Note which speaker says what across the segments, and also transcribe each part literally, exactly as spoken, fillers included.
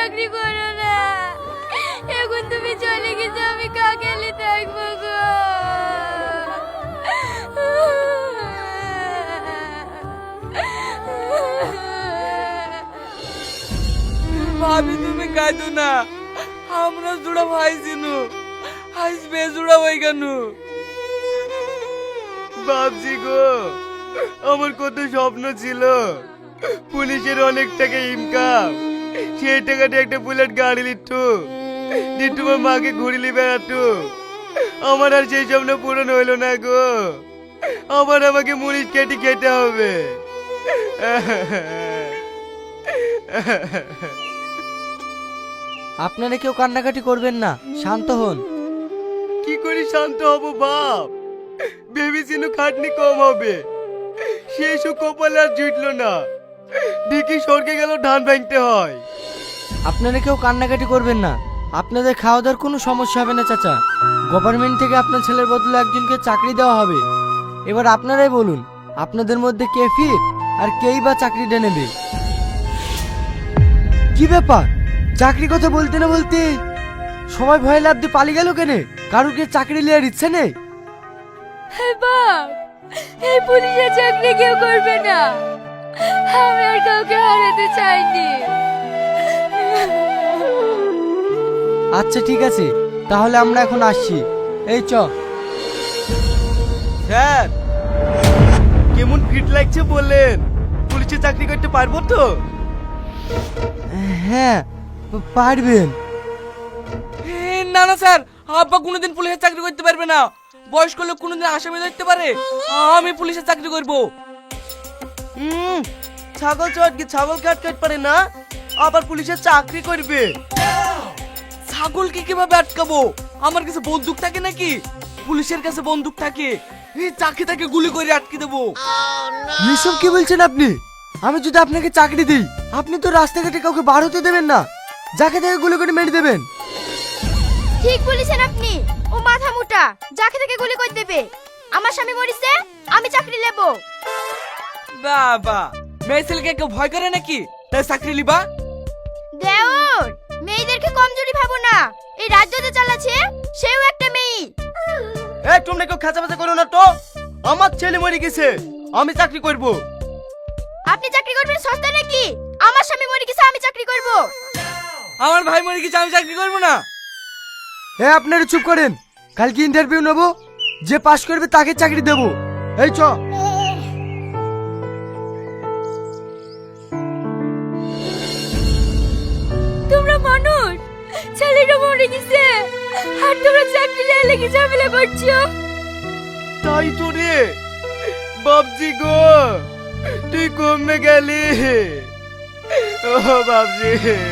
Speaker 1: চাকরি করো না। এখন তুমি চলে গেছো, আমি কাকেলি থাকবো গো।
Speaker 2: ভাবি তুমি কাঁদো না, আমরা জোড়া ভাই চিনু, আজ বেজোড়া হয়ে গেল।
Speaker 3: বাবজি গো, আমার কত স্বপ্ন ছিল, পুলিশের অনেক টাকা ইনকাম, সেই টাকাটা একটা বুলেট গাড়ি লিটু দিয়ে তোমার মাকে ঘুরিলি বেড়াতো। আমার আর সেই স্বপ্ন পূরণ হইলো না গো, আবার আমাকে মুনিশ কেটে খেতে হবে।
Speaker 4: আপনারা কেউ কান্নাকাটি করবেন না, শান্ত হন।
Speaker 3: কি করে শান্ত হব বাপ? ভেবেছিনু খাটনি কম হবে, সেই সব কপালে আর জুটলো না, দেখি স্বর্গে গেল ধান ভাঙতে হয়।
Speaker 4: আপনারা কেউ কান্নাকাটি করবেন না, আপনাদের খাওয়া দাওয়ার কোনো সমস্যা হবে না চাচা। গভর্নমেন্ট থেকে আপনার ছেলের বদলে একজনকে চাকরি দেওয়া হবে। এবার আপনারাই বলুন, আপনাদের মধ্যে কে ফিট আর কেই বা চাকরিটা নেবে? কি ব্যাপার, চাকরি কথা বলতে না বলতে সবাই ভয় লাভ দিয়ে পালিয়ে গেল কেন? কারোর কি চাকরি নেওয়ার ইচ্ছে নেই?
Speaker 1: বাপ, এই পুলিশের চাকরি কেউ করবে না, আমি আর কাউকে হারাতে চাইনি।
Speaker 4: আচ্ছা ঠিক আছে, তাহলে আমরা এখন আসছি। এই চ।
Speaker 3: স্যার, কেমন ফিট লাগছে বললেন? পুলিশে চাকরি করতে পারবো তো?
Speaker 4: হ্যাঁ পারবেন।
Speaker 2: না না স্যার, আব্বা কোনোদিন পুলিশের চাকরি করতে পারবে না। বয়স্ক লোক কোনোদিন আসামি ধরতে পারে? আমি পুলিশের চাকরি করব।
Speaker 3: হুম, ছাগল চটকে ছাগল কাট কাট পারে না, আবার পুলিশের চাকরি করবে?
Speaker 2: ছাগলকে কিভাবে আটকাবো? আমার কাছে বন্দুক থাকে নাকি? পুলিশের কাছে বন্দুক থাকে, এই চাকরি তাকে গুলি করে আটকে দেবো।
Speaker 4: এসব কি বলছেন আপনি? আমি যদি আপনাকে চাকরি দিই, আপনি তো রাস্তাঘাটে কাউকে বার হতে দেবেন না, যাকে তাকে গুলি করে মেরে দেবেন।
Speaker 1: ঠিক বলেছেন আপনি, ও মাথা মোটা, যাকে থেকে গুলি করে দেবে। আমার স্বামী মরিছে, আমি চাকরি নেব।
Speaker 2: বাবা, মেয়ে ছেলেকে কেউ ভয় করে নাকি তাই চাকরি লিবা?
Speaker 1: দেওর, মেয়েদেরকে কমজোরি ভাবো না, এই রাজ্য যে চালাচ্ছে সেও একটা মেয়ে।
Speaker 3: এই তোমরা কেউ খাঁচাবাচা করো না তো, আমার ছেলে মরে গেছে, আমি চাকরি করব।
Speaker 1: আপনি চাকরি করবেন সস্তা নাকি? আমার স্বামী মরে গেছে, আমি চাকরি করব।
Speaker 2: আমার ভাই মরে গেছে, আমি চাকরি করবো না।
Speaker 4: হ্যাঁ আপনারা চুপ করেন, কালকে ইন্টারভিউ নেব, যে পাশ করবে তাকে চাকরি দেব। এই চ।
Speaker 1: তোমরা মানুষ, ছেলেটা মরে গেছে আর তোমরা চাকরি নিয়ে লেগে ঝামেলা করছো।
Speaker 3: তাই তো রে বাবজি গো, তুই কমে গেলি। ও বাবজি,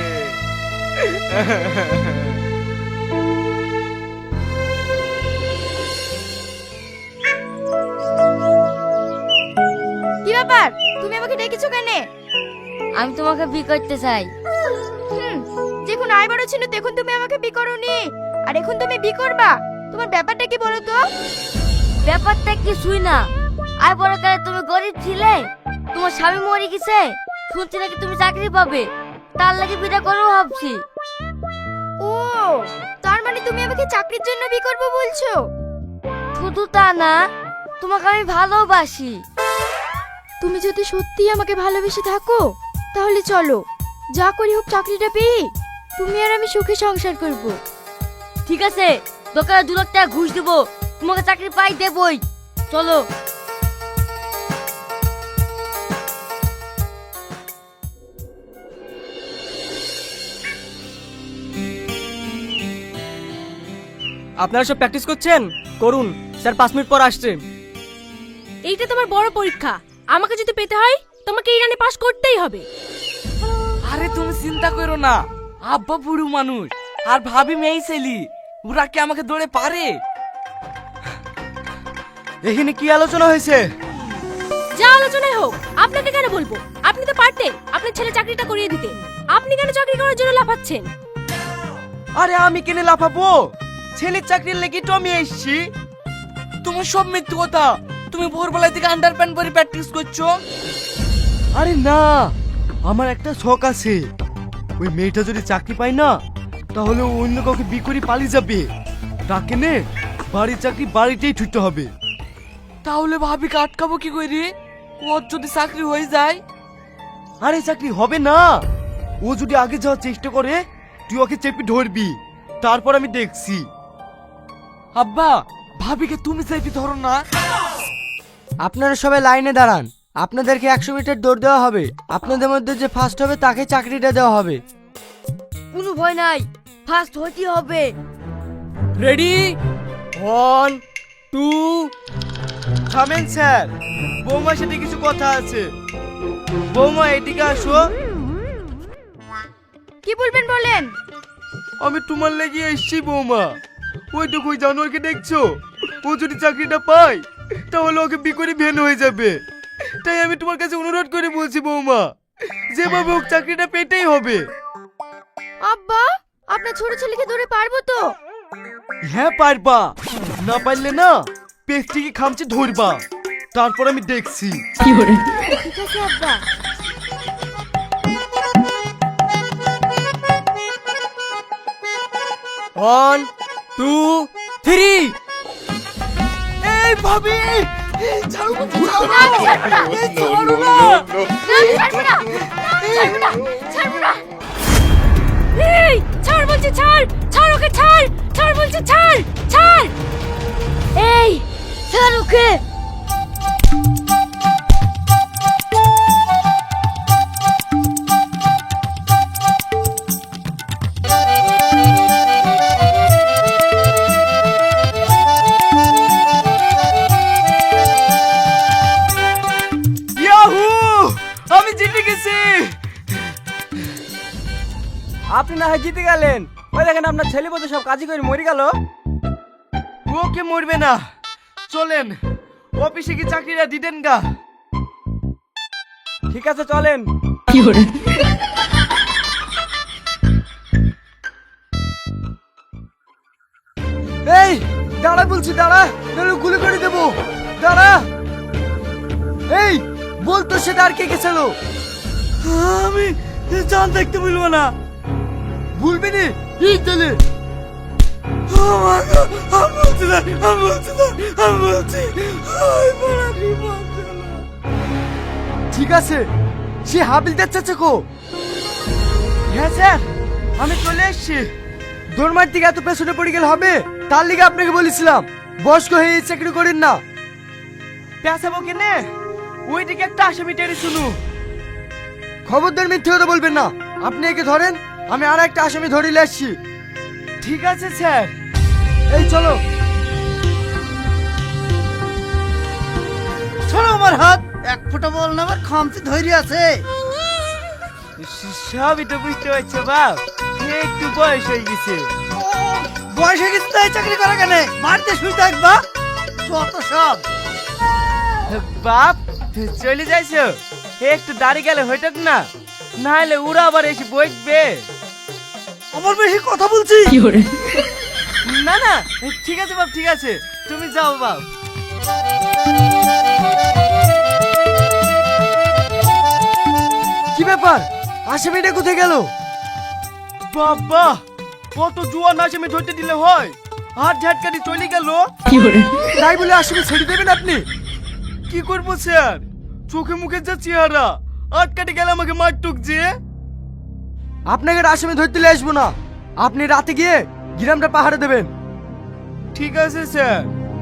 Speaker 1: কি ব্যাপার, তুমি আমাকে ডেকেছো কেন? আমি তোমাকে বি করতে চাই। হুম, যখন আয় বড় ছিল তখন তুমি আমাকে বি করোনি, আর এখন তুমি বি করবা? তোমার ব্যাপারটা কি বলো তো?
Speaker 5: ব্যাপারটা কিছুই না। আয় বড় কালে তুমি গরিব ছিলে, তোমার স্বামী মরে গেছে, শুনছি নাকি তুমি চাকরি পাবে, তার লাগি বিটা করবো ভাবছি।
Speaker 1: ও, তার মানে তুমি আমাকে চাকরির জন্য বি করবো বলছো?
Speaker 5: শুধু তা না, তোমাকে আমি ভালোবাসি।
Speaker 1: তুমি যদি সত্যি আমাকে ভালোবেসে থাকো তাহলে চলো, যা করি হোক চাকরিটা পেয়ে তুমি আর আমি সুখে সংসার করব।
Speaker 5: ঠিক আছে, দোকানে দু লাখ টাকা ঘুষ দেবো, তোমাকে চাকরি পাই দেবই। চলো।
Speaker 2: আপনারা সব প্র্যাকটিস করছেন? করুন, স্যার পাঁচ মিনিট পর আসছে।
Speaker 6: এইটা তোমার বড় পরীক্ষা, আমাকে যদি পেতে হয় তোমাকে এই রানে পাস করতেই হবে।
Speaker 2: আরে তুমি চিন্তা করো না, আব্বা বুড়ো মানুষ আর ভাবি মেয়ে ছেলি, ওরা কি আমাকে দৌড়ে পারে?
Speaker 3: এখানে কি আলোচনা হয়েছে?
Speaker 6: যা আলোচনায় হোক, আপনাকে কেন বলবো? আপনি তো পারতেন আপনার ছেলে চাকরিটা করিয়ে দিতে, আপনি কেন চাকরি করার জন্য লাফাচ্ছেন?
Speaker 3: আরে আমি কেনে লাফাবো? ছেলের চাকরির লেগে তো আমি এসছি।
Speaker 2: তোমার সব মিথ্যে কথা, তুমি ভোরবেলা থেকে আন্ডার প্যান্ট পরে প্র্যাকটিস করছো।
Speaker 3: আরে না, আমার একটা শখ আছে, ওই মেয়েটা যদি চাকরি পায় না তাহলে ও অন্য কাউকে বিয়ে করে পালিয়ে যাবে। তাকে নে বাড়ির চাকরি বাড়িতেই ছুটতে হবে।
Speaker 2: তাহলে ভাবিকে আটকাবো কি করে? ওর যদি চাকরি হয়ে যায়?
Speaker 3: আরে চাকরি হবে না, ও যদি আগে যাওয়ার চেষ্টা করে তুই ওকে চেপে ধরবি, তারপর আমি দেখছি।
Speaker 2: আব্বা, ভাবিকে তুমি চেপে ধরো না।
Speaker 4: আপনারা সবাই লাইনে দাঁড়ান, আপনাদেরকে একশো মিটার দৌড় দেওয়া হবে। আপনাদের মধ্যে যে ফার্স্ট হবে তাকে চাকরিটা দেওয়া হবে।
Speaker 5: কোনো ভয় নাই, ফার্স্ট হতেই হবে।
Speaker 2: রেডি?
Speaker 3: ওয়ান টু থামেন স্যার, বৌমার সাথে কিছু কথা আছে। বৌমা এদিকে আসো।
Speaker 1: কি বলবেন বলেন।
Speaker 3: আমি তোমার লেগে এসছি বৌমা। ওই দেখো ওই জানোয়ারকে দেখছো, ও যদি চাকরিটা পায় তাহলে ওকে বিকরি ভেন হয়ে যাবে। তাই আমি তোমার কাছে অনুরোধ করে বলছি বৌমা, যেভাবে হোক চাকরিটা পেতেই হবে।
Speaker 1: আব্বা, আপনার ছোট ছেলেকে ধরে পারবো তো?
Speaker 3: হ্যাঁ পারবা, না পারলে না পেট থেকে খামচে ধরবা, তারপর আমি দেখছি।
Speaker 1: ঠিক আছে আব্বা।
Speaker 3: One two three.
Speaker 2: এই ভাবি, এই ছাড়ো বলছি, ছাড়ো।
Speaker 1: না, আমি ছাড়বো না।
Speaker 2: এই ছাড়ো না।
Speaker 1: না, আমি ছাড়বো না। না, আমি ছাড়বো না। ছাড়বো না।
Speaker 6: এই ছাড় বলছি, ছাড় ছাড় ওকে, ছাড় ছাড় বলছি, ছাড় ছাড়।
Speaker 5: এই ছাড় ওকে।
Speaker 3: ইয়াহু, আমি জিতে গেছি।
Speaker 4: আপনি না হয় জিতে গেলেন, ওই দেখেন আপনার ছেলে বলতে সব কাজই করে মরে গেল।
Speaker 3: ওকে মরবে না, চলেন অফিসে কি চাকরিটা দিতেন গা।
Speaker 4: ঠিক আছে চলেন। এই দাঁড়া বলছি, দাঁড়া, নাহলে গুলি করে দেবো। দাঁড়া। এই বলতো সেটা আর কে গেছিল?
Speaker 3: আমি জান দেখতে বলবো না।
Speaker 4: ভুলবি নি এই তাহলে।
Speaker 3: আমি বলছি না, আমি বলছি না, আমি বলছি ওই বড় বিপদ হলো।
Speaker 4: ঠিক আছে, সে হাবিলদার চাচা কো?
Speaker 3: হ্যাঁ স্যার, আমি চলে এসেছি।
Speaker 4: দৌড়মার দিকে এত পেছনে পড়ে গেলে হবে? তার লিগে আপনাকে বলেছিলাম বয়স্ক হয়ে এই চাকরি করেন না।
Speaker 3: পেঁচাবো কেনে? ওইদিকে একটা আসামি টেনে শুনু।
Speaker 4: খবরদার মিথ্যে কথা বলবেন না। আপনি একে ধরেন, আমি আর একটা আসামি ধরিলে আসছি।
Speaker 3: ঠিক আছে স্যার।
Speaker 4: এই চলো।
Speaker 7: ছাড়ো আমার হাত, এক ফোঁটা বল না আমার খামচি ধৈর্য আছে।
Speaker 3: সবই তো বুঝতে পারছো বাপ, একটু বয়স হয়ে গেছে।
Speaker 7: বয়স হয়ে গেছে তাই চাকরি করা কেন? বাড়িতে শুই থাকবা যত সব।
Speaker 3: বাপ চলে যাইছো, একটু দাঁড়িয়ে গেলে হইতক না, না হলে ওরা আবার এসে বইবে।
Speaker 7: আমার বেশি কথা বলছি।
Speaker 3: না না ঠিক আছে বাপ, ঠিক আছে, তুমি যাও বাপ।
Speaker 4: কি ব্যাপার, আসামিটা কোথায় গেল?
Speaker 3: বাবা, কত জুয়ান আসামি ধরতে দিলে হয়, হাত ঝাটকানি চলে গেল।
Speaker 4: তাই বলে আসামি ছেড়ে দেবেন আপনি?
Speaker 3: কি করবো স্যার, চোখে মুখে যা চেহারা, আটকাটে গেলে আমাকে মারটুক যে।
Speaker 4: আপনাকে আর আসামি ধরতে নিয়ে আসবো না, আপনি রাতে গিয়ে গ্রামটা পাহাড়ে দেবেন।
Speaker 3: ঠিক আছে স্যার।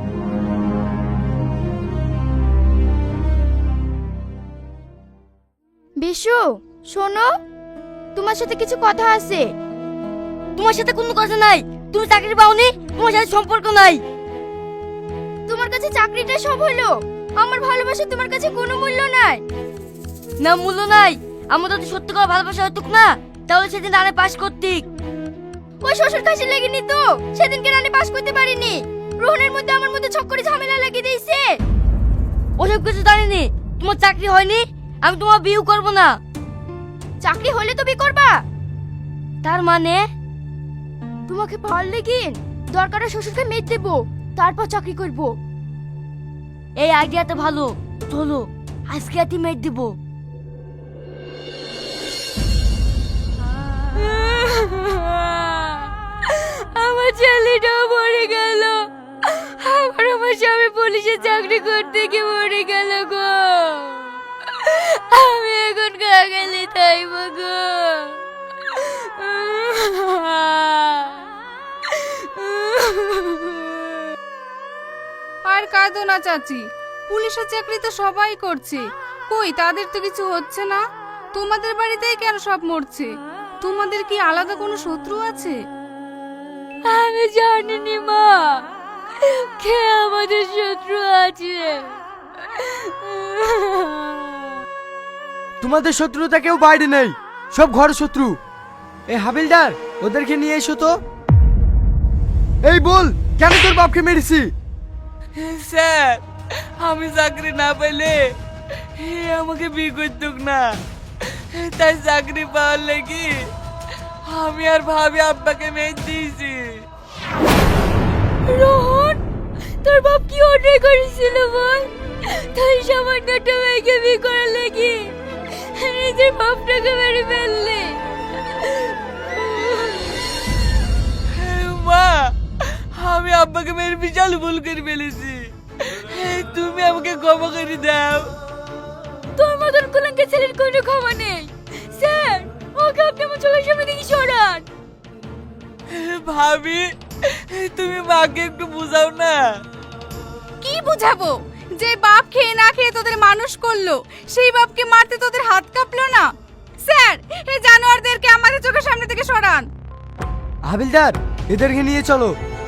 Speaker 1: বিশু, শোনো, তোমার সাথে কিছু কথা আছে।
Speaker 5: তোমার সাথে কোনো কথা নাই, তুমি চাকরি পাওনি, তোমার সাথে সম্পর্ক নাই।
Speaker 1: তোমার কাছে চাকরিটা সব হলো, আমার ভালোবাসা তোমার কাছে কোনো মূল্য নাই।
Speaker 5: না মূল্য নাই, আমাদের তো সত্যি করে ভালোবাসা হতুক না, তাহলে সেদিন রানে পাস করতিক।
Speaker 1: ওই শ্বশুর কাশি লেগেনি তো সেদিনকে রানী পাস করতে পারিনি। রোহনের মধ্যে আমার মধ্যে ছক করে ঝামেলা লাগিয়ে দিয়েছে।
Speaker 5: ওসব কিছু জানিনি, তোমার চাকরি হয়নি, আমি তোমার বিয়ে করব না।
Speaker 1: চাকরি হলে তো বিয়ে করবা?
Speaker 5: তার মানে
Speaker 1: তোমাকে পাওয়ার লেগিন দরকারে শ্বশুরকে মেয়ে দেবো, তারপর চাকরি করব।
Speaker 5: এই আইডিয়াটা ভালো, চলো আজকে রাতে মেট দিব।
Speaker 1: আমার ছেলেটাও মরে গেল, আবার আমার স্বামী পুলিশে চাকরি করতে গিয়ে মরে গেল গো। আমি এখন কাগালি তাইব গো।
Speaker 8: আর কাঁদো না চাচি, পুলিশের চাকরি তো সবাই করছে, কই তাদের তো কিছু হচ্ছে না। তোমাদের বাড়িতেই কেন সব মরছে? তোমাদের কি আলাদা কোনো শত্রু আছে?
Speaker 1: আমি জানিনি মা, কে আমাদের শত্রু আছে।
Speaker 4: তোমাদের শত্রুতা কেউ বাইরে নেই, সব ঘর শত্রু। এই হাবিলদার, ওদেরকে নিয়ে এসো তো। এই বল, কেন তোর বাপকে মেরেছি?
Speaker 2: স্যার, আমি চাকরি না পাইলে এ আমাকে বিয়ে করতুক না, তাই চাকরি পাওয়ার লাগি আমি আর ভাবি আব্বাকে মেয়ে দিয়েছি।
Speaker 1: রোহন, তোর বাপ কি অন্যায় করেছিল বল? তাই সামান্য একটা মেয়েকে বিয়ে করার লাগি নিজের বাপটাকে মেরে ফেললে।
Speaker 2: মা, আমি আব্বাকে মেরে বিশাল ভুল করে ফেলেছি, তুমি আমাকে ক্ষমা করে দাও।
Speaker 1: তোর মতন কুলাঙ্কের ছেলের কোনো ক্ষমা নেই। স্যার, ওকে আপনি আমার চোখের সামনে থেকে সরান।
Speaker 2: ভাবি, তুমি মাকে একটু বুঝাও না।
Speaker 8: কি বুঝাবো? যে বাপ খেয়ে না খেয়ে তোদের মানুষ করলো, সেই বাপকে মারতে তোদের হাত কাঁপলো না? স্যার, এই জানোয়ারদেরকে আমাদের চোখের সামনে থেকে সরান।
Speaker 4: হাবিলদার, এদেরকে নিয়ে চলো।